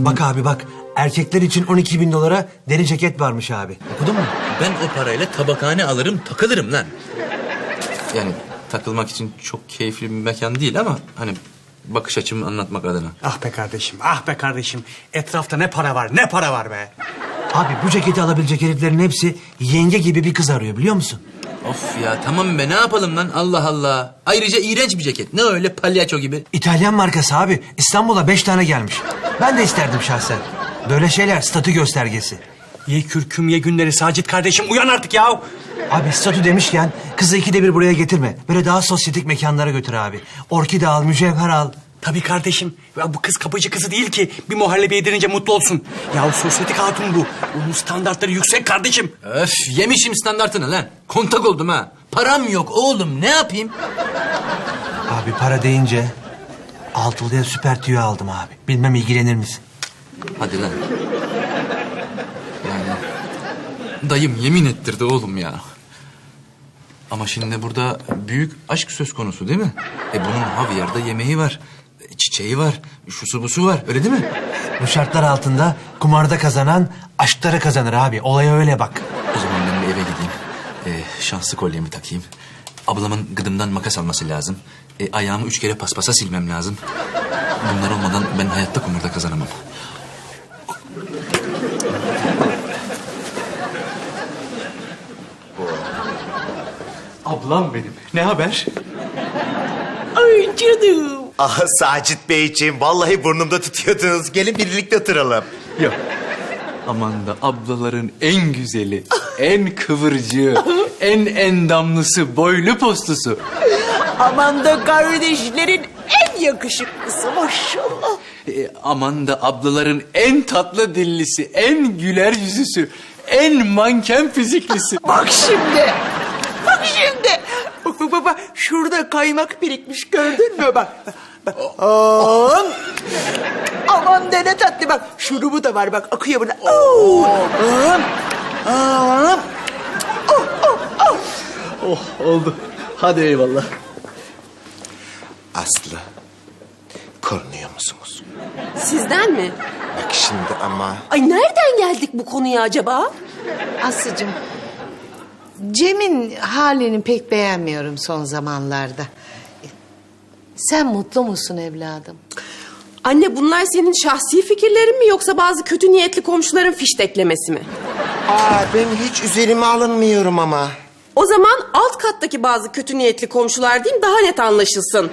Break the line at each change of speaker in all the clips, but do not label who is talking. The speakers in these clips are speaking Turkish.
Bak abi bak. Erkekler için 12.000 dolara deri ceket varmış abi. Okudun mu?
Ben o parayla tabakhane alırım, takılırım lan. Yani takılmak için çok keyifli bir mekan değil ama hani bakış açımı anlatmak adına.
Ah be kardeşim, ah be kardeşim. Etrafta ne para var, ne para var be.
Abi bu ceketi alabilecek heriflerin hepsi yenge gibi bir kız arıyor biliyor musun?
Of ya tamam be ne yapalım lan Allah Allah. Ayrıca iğrenç bir ceket. Ne öyle palyaço gibi.
İtalyan markası abi. İstanbul'a 5 tane gelmiş. Ben de isterdim şahsen. Böyle şeyler statü göstergesi.
Ye kürküm ye günleri Sacit kardeşim, uyan artık ya.
Abi statü demişken kızı 2'de 1 buraya getirme. Böyle daha sosyetik mekanlara götür abi. Orkide al, mücevher al.
Tabii kardeşim. Ya bu kız kapıcı kızı değil ki. Bir muhallebi yedirince mutlu olsun. Ya sosyetik hatun bu. Bunun standartları yüksek kardeşim.
Öf yemişim standartını lan. Kontak oldum ha. Param yok oğlum ne yapayım?
Abi para deyince Altılı'ya süper tüyo aldım abi. Bilmem ilgilenir misin?
Hadi lan. Yani dayım yemin ettirdi oğlum ya. Ama şimdi burada büyük aşk söz konusu değil mi? Bunun havyarda yemeği var. Çiçeği var. Şusu busu var. Öyle değil mi?
Bu şartlar altında kumarda kazanan aşkları kazanır abi. Olaya öyle bak.
O zaman ben bir eve gideyim. Şanslı kolyemi takayım. Ablamın gıdımdan makas alması lazım. Ayağımı 3 kere paspasa silmem lazım. Bunlar olmadan ben hayatta kumarda kazanamam.
Ablam benim. Ne haber?
Ay canım.
Ah Sacit Beyciğim, vallahi burnumda tutuyordunuz. Gelin birlikte oturalım.
Yok. Aman da ablaların en güzeli, en kıvırcığı, en endamlısı, boylu postusu.
Aman da kardeşlerin en yakışıklısı maşallah.
Aman da ablaların en tatlı dillisi, en güler yüzüsü, en manken fiziklisi.
Bak şimdi. Bak şimdi. Bak. Şurada kaymak birikmiş gördün mü bak. Bak. Aman de ne tatlı bak. Şurubu da var bak akıyor buna.
Oh oldu. Hadi eyvallah.
Aslı, korunuyor musunuz?
Sizden mi?
Bak şimdi ama...
Ay nereden geldik bu konuya acaba?
Aslıcığım, Cem'in halini pek beğenmiyorum son zamanlarda. Sen mutlu musun evladım?
Anne bunlar senin şahsi fikirlerin mi yoksa bazı kötü niyetli komşuların fişteklemesi mi?
Ben hiç üzerime alınmıyorum ama.
O zaman alt kattaki bazı kötü niyetli komşular diyeyim daha net anlaşılsın.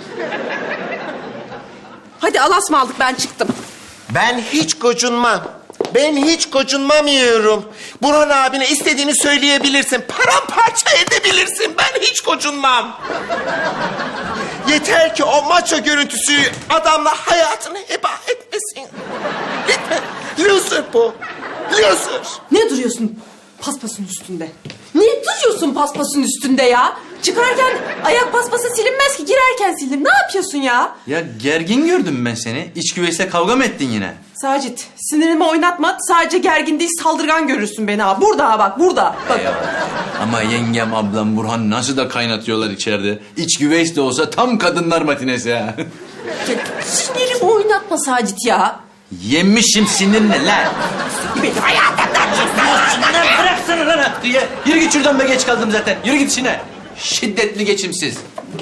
Hadi alasma aldık ben çıktım.
Ben hiç gocunmam. Ben hiç gocunmamıyorum. Burhan abine istediğini söyleyebilirsin. Paramparça edebilirsin. Ben hiç gocunmam. Yeter ki o maço görüntüsü adamla hayatını heba etmesin. Lütfen. Loser bu. Loser.
Ne duruyorsun paspasın üstünde? Niye duruyorsun paspasın üstünde ya? Çıkarken ayak paspası silinmez ki girerken silinir. Ne yapıyorsun ya?
Ya gergin gördüm ben seni. İç güveyste kavga mı ettin yine?
Sacit sinirimi oynatma. Sadece gergin değil saldırgan görürsün beni ha. Burada ha bak burada. Bak.
Ama yengem, ablam, Burhan nasıl da kaynatıyorlar içeride. İç güveys de olsa tam kadınlar matinesi ha.
Sinirimi oynatma Sacit ya.
Yemişim sinirle lan.
Benim hayatımdan
Lan bıraksana lan. Yürü git şuradan be geç kaldım zaten. Yürü git işine. Şiddetli geçimsiz.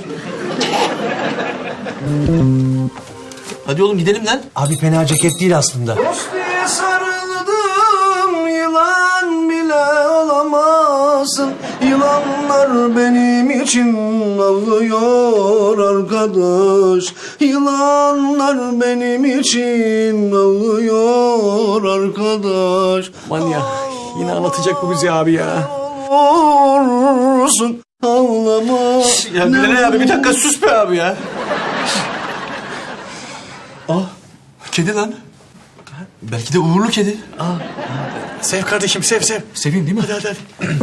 Hadi oğlum gidelim lan.
Abi fena ceket değil aslında.
Dostluğa sarıldım, yılan bile olamazsın. Yılanlar benim için ağlıyor arkadaş. Yılanlar benim için ağlıyor arkadaş.
Aman ya, yine anlatacak bu bizi abi ya.
Olursun ağlama.
Ya Bilal abi bir dakika sus be abi ya.
Kedi lan. Belki de uğurlu kedi.
Sev kardeşim, sev.
Seveyim değil mi?
Hadi.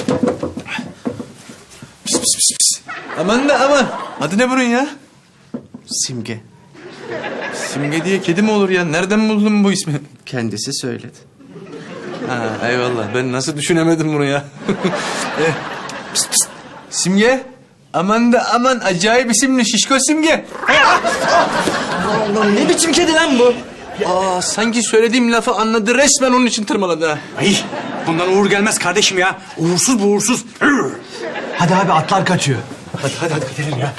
Pis pis pis pis. Aman da aman. Adı ne bunun ya?
Simge
Simge diye kedi mi olur ya? Nereden buldun bu ismi?
kendisi söyledi.
Ha, eyvallah. Ben nasıl düşünemedim bunu ya? Pis pis. Simge. Aman da aman. Acayip isimli şişko Simge.
Ne biçim kedi lan bu?
Aa, sanki söylediğim lafı anladı, resmen onun için tırmaladı ha.
Ay bundan uğur gelmez kardeşim ya. Uğursuz bu uğursuz.
Hadi abi atlar kaçıyor.
Hadi gidelim ya.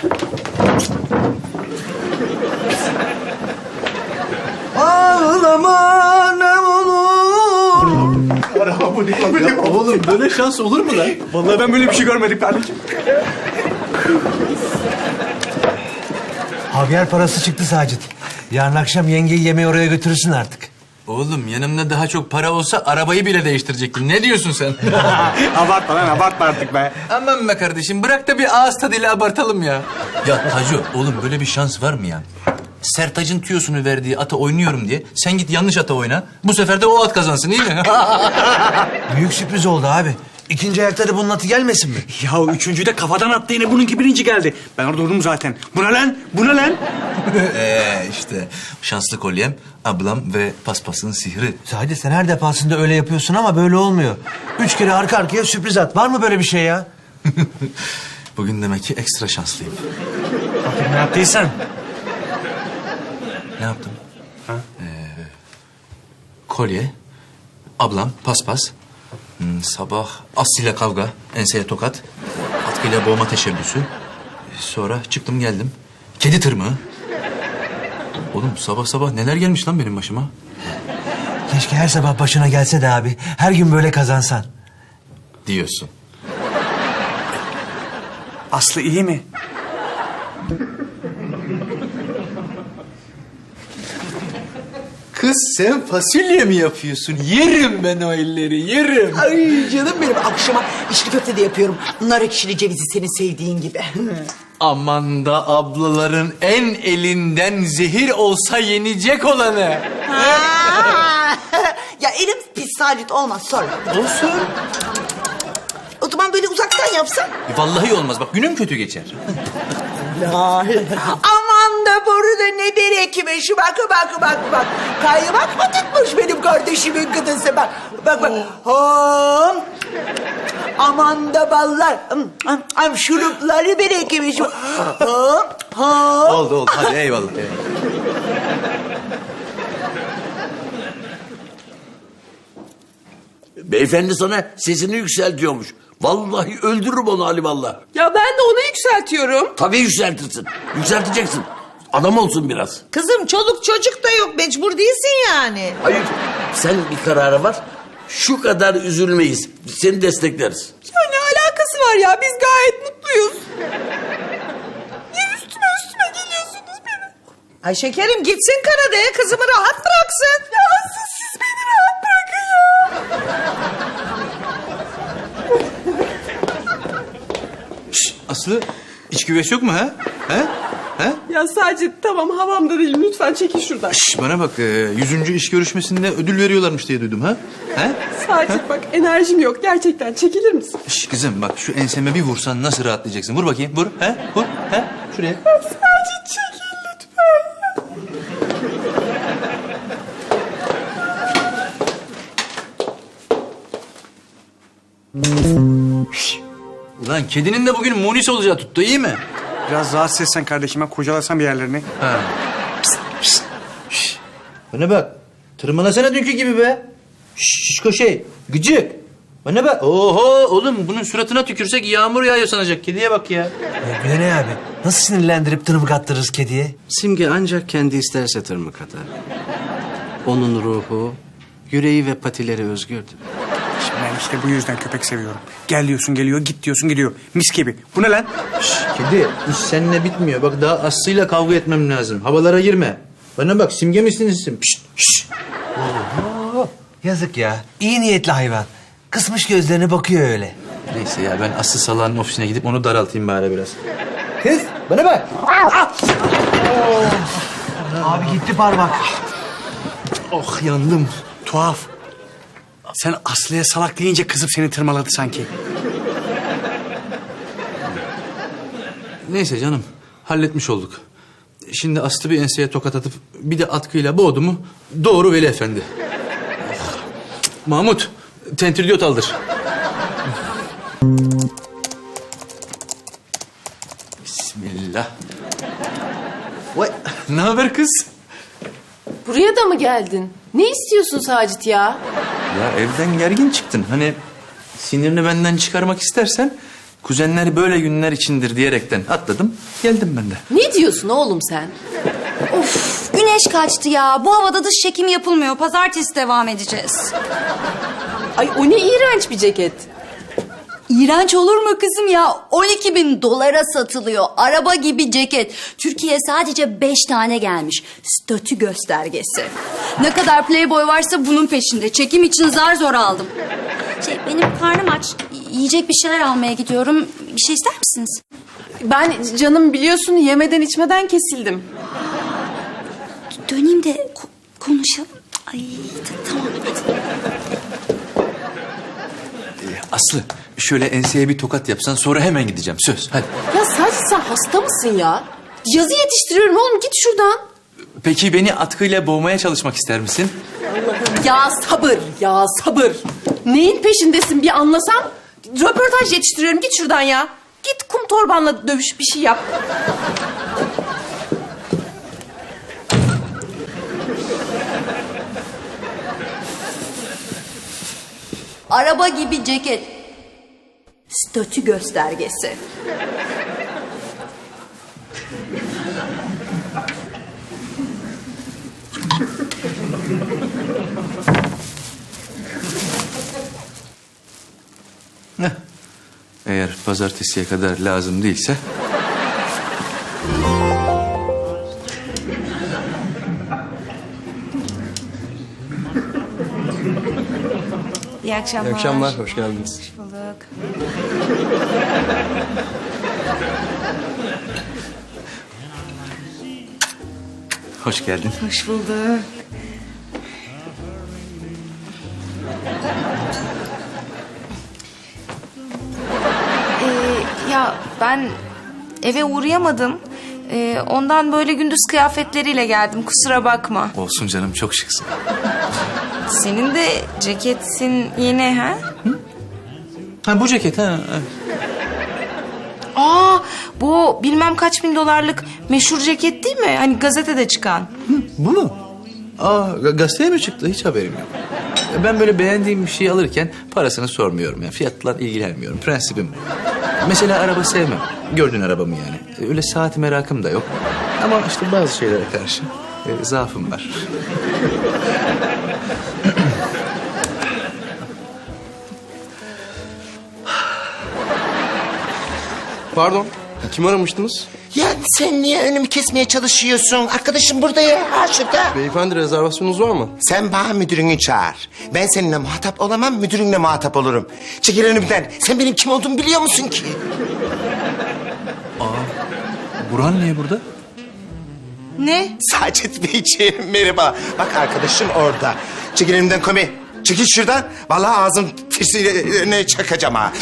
Ağlama ne olur. Ya oğlum böyle şans olur mu lan?
Vallahi ben böyle bir şey görmedim kardeşim.
Havyar parası çıktı Sacit. Yarın akşam yengeyi yemeğe oraya götürürsün artık.
Oğlum yanımda daha çok para olsa arabayı bile değiştirecektim. Ne diyorsun sen?
Abartma lan abartma artık be.
Aman be kardeşim, bırak da bir ağız tadıyla abartalım ya. Ya Taco, oğlum böyle bir şans var mı ya? Sertac'ın tüyosunu verdiği ata oynuyorum diye sen git yanlış ata oyna. Bu sefer de o at kazansın, iyi mi?
Büyük sürpriz oldu abi. İkinci ayakta da bunun atı gelmesin mi?
Ya üçüncüyü de kafadan attı yine bununki birinci geldi. Ben orada durdum zaten. Bu ne lan? Bu ne lan?
işte şanslı kolyem, ablam ve paspasın sihri.
Sacit sen her defasında öyle yapıyorsun ama böyle olmuyor. 3 kere arka arkaya sürpriz at. Var mı böyle bir şey ya?
Bugün demek ki ekstra şanslıyım.
Bakayım ne yaptıysan.
Ne yaptım? Kolye, ablam, paspas, sabah Aslı'yla kavga, enseye tokat, atkıyla boğma teşebbüsü. Sonra çıktım geldim. Kedi tırmığı. Oğlum sabah sabah neler gelmiş lan benim başıma?
Keşke her sabah başına gelse de abi. Her gün böyle kazansan.
Diyorsun.
Aslı iyi mi?
Kız sen fasulye mi yapıyorsun? Yerim ben o elleri, yerim.
Ay canım benim, akşama içli köfte de yapıyorum. Nar ekşili cevizi senin sevdiğin gibi.
Aman da ablaların en elinden zehir olsa yenecek olanı.
Ya elim pis Sacit, olmaz sonra.
Olsun.
O zaman böyle uzaktan yapsan.
Vallahi olmaz, bak günüm kötü geçer.
Aman da boru da ne berekmiş. Bak. Kaymak mı tutmuş benim kardeşimin gıdısı bak. Bak. Hom. Aman da ballar. Şurupları berekmiş. Hom.
Oldu, hadi eyvallah.
Beyefendi sana sesini yükseltiyormuş. Vallahi öldürürüm onu alimallah.
Ya ben de onu yükseltiyorum.
Tabii yükseltirsin. Yükselteceksin. Adam olsun biraz.
Kızım çoluk çocuk da yok, mecbur değilsin yani.
Hayır, sen bir karara var. Şu kadar üzülmeyiz. Seni destekleriz.
Ya ne alakası var ya? Biz gayet mutluyuz. Niye üstüme geliyorsunuz benim?
Ay şekerim gitsin Karadağ'a, kızımı rahat bıraksın.
Ya asıl siz beni rahat bırakın ya.
Aslı, iç güveç yok mu ha?
Ya sadece tamam, havamda değil, lütfen çekil şuradan.
Şş, bana bak, 100. iş görüşmesinde ödül veriyorlarmış diye duydum ha?
Sadece bak, enerjim yok, gerçekten çekilir misin?
Şş, kızım bak, şu enseme bir vursan nasıl rahatlayacaksın? Vur bakayım, vur. Vur, şuraya.
Sadece çekil lütfen.
Ulan kedinin de bugün munis olacağı tuttu, iyi mi?
Biraz rahatsız etsen kardeşime, kurcalasan bir yerlerini.
Ha. Bana bak, tırmalasana dünkü gibi be. Şişko şey, gıcık. Bana bak, oho oğlum bunun suratına tükürsek yağmur yağıyor sanacak. Kediye bak ya.
Bir de ne abi? Nasıl sinirlendirip tırmık attırırız kediye?
Simge ancak kendi isterse tırmık atar. Onun ruhu, yüreği ve patileri özgürdür.
Şimdi ben işte bu yüzden köpek seviyorum. Gel diyorsun geliyor, git diyorsun gidiyor. Mis gibi. Bu ne lan?
Kedi, iş seninle bitmiyor. Bak daha Aslı'yla kavga etmem lazım. Havalara girme. Bana bak, Simge misin isim?
Yazık ya. İyi niyetli hayvan. Kısmış gözlerine bakıyor öyle.
Neyse ya, ben Aslı Salah'ın ofisine gidip onu daraltayım bari biraz. Kız, bana bak.
Abi gitti parmak.
Oh, yandım.
Tuhaf. Sen Aslı'ya salak deyince kızıp seni tırmaladı sanki.
Neyse canım, halletmiş olduk. Şimdi Aslı bir enseye tokat atıp bir de atkıyla boğdu mu doğru Veli Efendi. Oh. Mahmut, tentridiyot aldır. Bismillah. Vay, ne haber kız?
Buraya da mı geldin? Ne istiyorsun Sacit ya?
Ya evden gergin çıktın. Hani sinirini benden çıkarmak istersen kuzenler böyle günler içindir diyerekten atladım. Geldim ben de.
Ne diyorsun oğlum sen?
Of, güneş kaçtı ya. Bu havada dış çekim yapılmıyor. Pazartesi devam edeceğiz.
Ay o ne iğrenç bir ceket.
İğrenç olur mu kızım ya? 12.000 dolara satılıyor. Araba gibi ceket. Türkiye'ye sadece 5 tane gelmiş. Statü göstergesi. Ne kadar playboy varsa bunun peşinde. Çekim için zar zor aldım. Benim karnım aç. Yiyecek bir şeyler almaya gidiyorum. Bir şey ister misiniz?
Ben canım biliyorsun yemeden içmeden kesildim.
Döneyim de konuşalım. Ay tamam hadi.
Aslı şöyle enseye bir tokat yapsan sonra hemen gideceğim. Söz hadi.
Ya Sacit sen hasta mısın ya? Yazı yetiştiriyorum oğlum git şuradan.
Peki beni atkıyla boğmaya çalışmak ister misin?
Ya sabır ya sabır. Neyin peşindesin bir anlasam. Röportaj yetiştiriyorum git şuradan ya. Git kum torbanla dövüş bir şey yap.
Araba gibi ceket. Statü göstergesi.
Eğer pazartesiye kadar lazım değilse...
İyi akşamlar.
İyi akşamlar, hoş geldiniz.
Hoş bulduk.
Hoş geldin.
Hoş bulduk.
Ya ben eve uğrayamadım. Ondan böyle gündüz kıyafetleriyle geldim. Kusura bakma.
Olsun canım, çok şıksın.
Senin de ceketin yeni ha?
Ha bu ceket ha.
Aa, bu bilmem kaç bin dolarlık meşhur ceket değil mi? Hani gazetede çıkan.
Bu mu? Aa gazeteye mi çıktı? Hiç haberim yok. Ben böyle beğendiğim bir şey alırken parasını sormuyorum. Yani fiyatla ilgilenmiyorum. Prensibim bu. Mesela araba sevmem. Gördüğün arabamı yani. Öyle saat merakım da yok. Ama işte bazı şeylere karşı zaafım var.
Pardon, kim aramıştınız?
Ya sen niye önümü kesmeye çalışıyorsun? Arkadaşım burada ya, ha şurada.
Beyefendi rezervasyonunuz var mı?
Sen bana müdürünü çağır. Ben seninle muhatap olamam, müdürünle muhatap olurum. Çekil önümden. Sen benim kim olduğumu biliyor musun ki?
Burhan niye burada?
Ne?
Sacit Beyciğim merhaba. Bak arkadaşım orada. Çekil önümden komi. Çekil şuradan. Vallahi ağzım tersine çakacağım ha.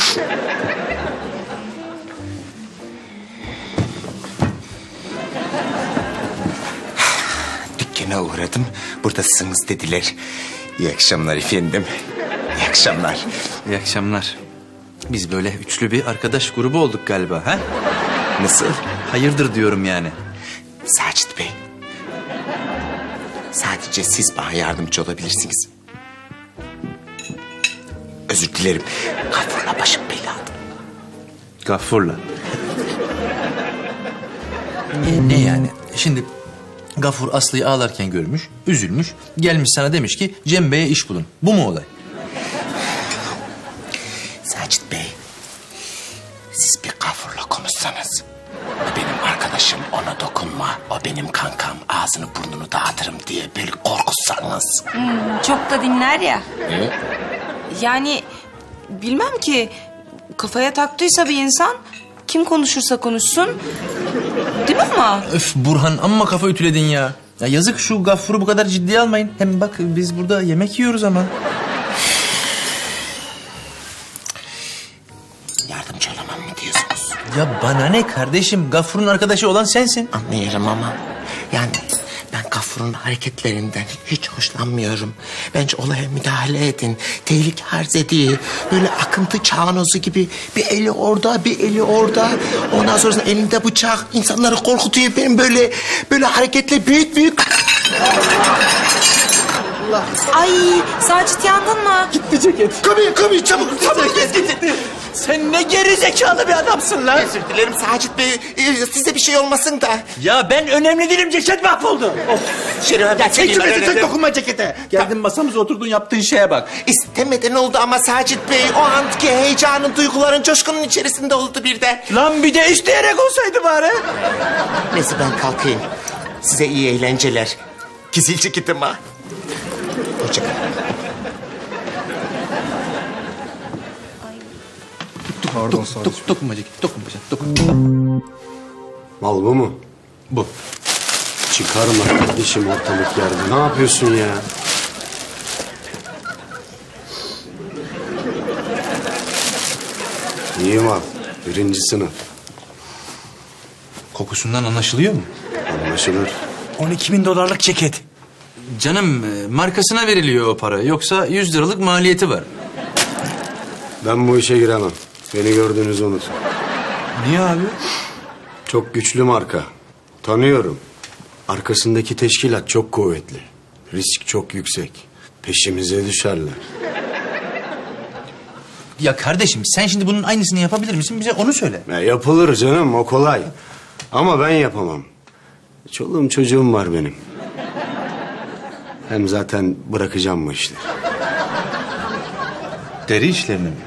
Dükkana uğradım. Buradasınız dediler. İyi akşamlar efendim. İyi akşamlar.
İyi akşamlar. Biz böyle üçlü bir arkadaş grubu olduk galiba ha?
Nasıl?
Hayırdır diyorum yani.
Sacit Bey. Sadece siz bana yardımcı olabilirsiniz. Özür dilerim. Gafurla başım belada.
Gaffur'la. Ne yani? Şimdi Gaffur Aslı'yı ağlarken görmüş, üzülmüş. Gelmiş sana demiş ki Cem Bey'e iş bulun. Bu mu olay?
Sacit Bey, siz bir Gafur'la konuşsanız. O benim arkadaşım, ona dokunma. O benim kankam, ağzını burnunu dağıtırım diye böyle korkutsanız.
Çok da dinler ya. Yani bilmem ki kafaya taktıysa bir insan kim konuşursa konuşsun. Değil mi ama?
Öf Burhan amma kafa ütüledin ya. Ya yazık şu Gaffur'u bu kadar ciddiye almayın. Hem bak biz burada yemek yiyoruz ama.
Yardımcı olamam mı diyorsunuz?
Ya bana ne kardeşim? Gaffur'un arkadaşı olan sensin.
Anlıyorum ama yani ben Gafur'un hareketlerinden hiç hoşlanmıyorum. Bence olaya müdahale edin. Tehlike arz ediyor. Böyle akıntı çağnozu gibi bir eli orada, bir eli orada. Ondan sonra elinde bıçak insanları korkutuyor. Benim böyle hareketle büyük
Ay Sacit yandın mı?
Kami çabuk. Çabuk git.
Sen ne geri zekalı bir adamsın lan.
Özür dilerim Sacit Bey. Size bir şey olmasın da.
Ya ben önemli değilim, ceket mahvoldu.
Şerif abi.
Sen dokunma cekete. Geldin masamıza oturdun, yaptığın şeye bak.
İstemeden oldu ama Sacit Bey o anki heyecanın, duyguların, coşkunun içerisinde oldu bir de.
Lan bir de isteyerek olsaydı bari.
Neyse ben kalkayım. Size iyi eğlenceler. Gizil ceketim ha. Hoşçakalın.
Dokunma ceket, dokunma.
Mal bu mu?
Bu.
Çıkarma kardeşim ortalık yerde. Ne yapıyorsun ya? İyi mal. 1. sınıf.
Kokusundan anlaşılıyor mu?
Anlaşılır.
12.000 dolarlık ceket.
Canım markasına veriliyor o para. Yoksa 100 liralık maliyeti var.
Ben bu işe giremem. Beni gördüğünüzü unutun.
Niye abi?
Çok güçlü marka. Tanıyorum. Arkasındaki teşkilat çok kuvvetli. Risk çok yüksek. Peşimize düşerler.
Ya kardeşim sen şimdi bunun aynısını yapabilir misin? Bize onu söyle.
Ya yapılır canım, o kolay. Ama ben yapamam. Çoluğum çocuğum var benim. Hem zaten bırakacağım bu işleri.
Deri işlerini mi?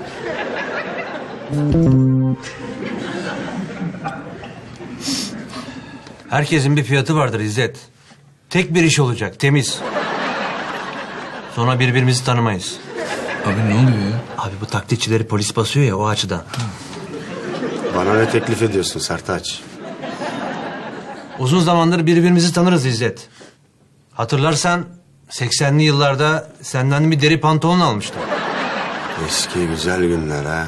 Herkesin bir fiyatı vardır İzzet. Tek bir iş olacak, temiz. Sonra birbirimizi tanımayız.
Abi ne oluyor ya?
Abi bu taklitçileri polis basıyor ya, o açıdan.
Bana ne teklif ediyorsun Sertaç?
Uzun zamandır birbirimizi tanırız İzzet. Hatırlarsan 80'li yıllarda senden bir deri pantolon almıştım.
Eski güzel günler ha.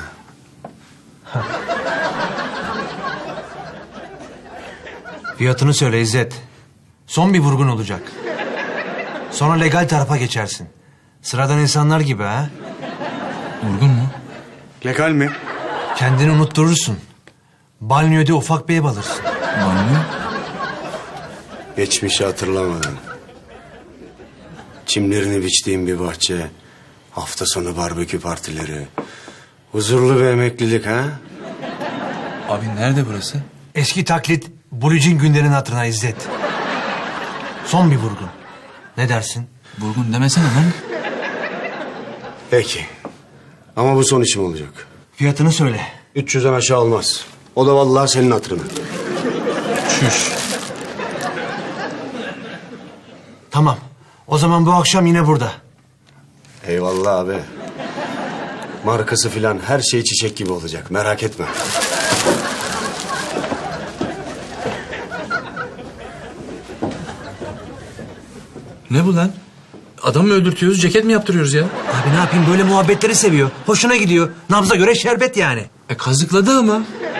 Fiyatını söyle İzzet. Son bir vurgun olacak. Sonra legal tarafa geçersin. Sıradan insanlar gibi ha.
Vurgun mu?
Legal mi?
Kendini unutturursun. Banyoda ufak bir ev alırsın.
Banyo?
Geçmişi hatırlamadan. Çimlerini biçtiğim bir bahçe. Hafta sonu barbekü partileri. Huzurlu bir emeklilik ha?
Abi nerede burası?
Eski taklit Bulucin günlerin hatırına İzzet. Son bir vurgun. Ne dersin?
Vurgun demesene lan.
Peki. Ama bu son işim olacak.
Fiyatını söyle.
300'den aşağı olmaz. O da vallahi senin hatırına.
Çüş.
Tamam. O zaman bu akşam yine burada.
Eyvallah abi. Markası filan her şey çiçek gibi olacak. Merak etme.
Ne bu lan? Adam mı öldürtüyoruz, ceket mi yaptırıyoruz ya?
Abi ne yapayım, böyle muhabbetleri seviyor. Hoşuna gidiyor. Nabza göre şerbet yani.
Kazıkladı ama.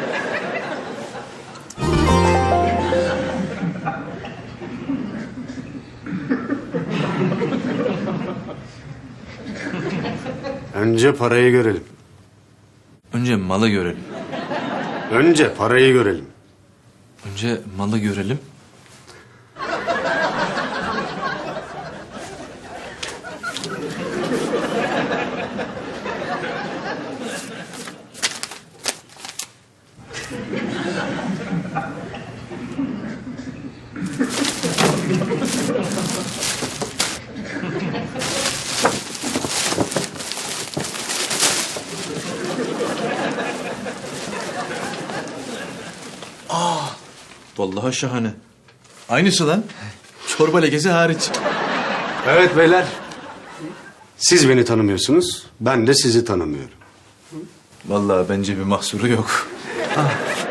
Önce parayı görelim.
Önce malı görelim.
Önce parayı görelim.
Önce malı görelim. Vallahi şahane. Aynısı lan. Çorba lekesi hariç.
Evet beyler. Siz beni tanımıyorsunuz. Ben de sizi tanımıyorum.
Vallahi bence bir mahsuru yok.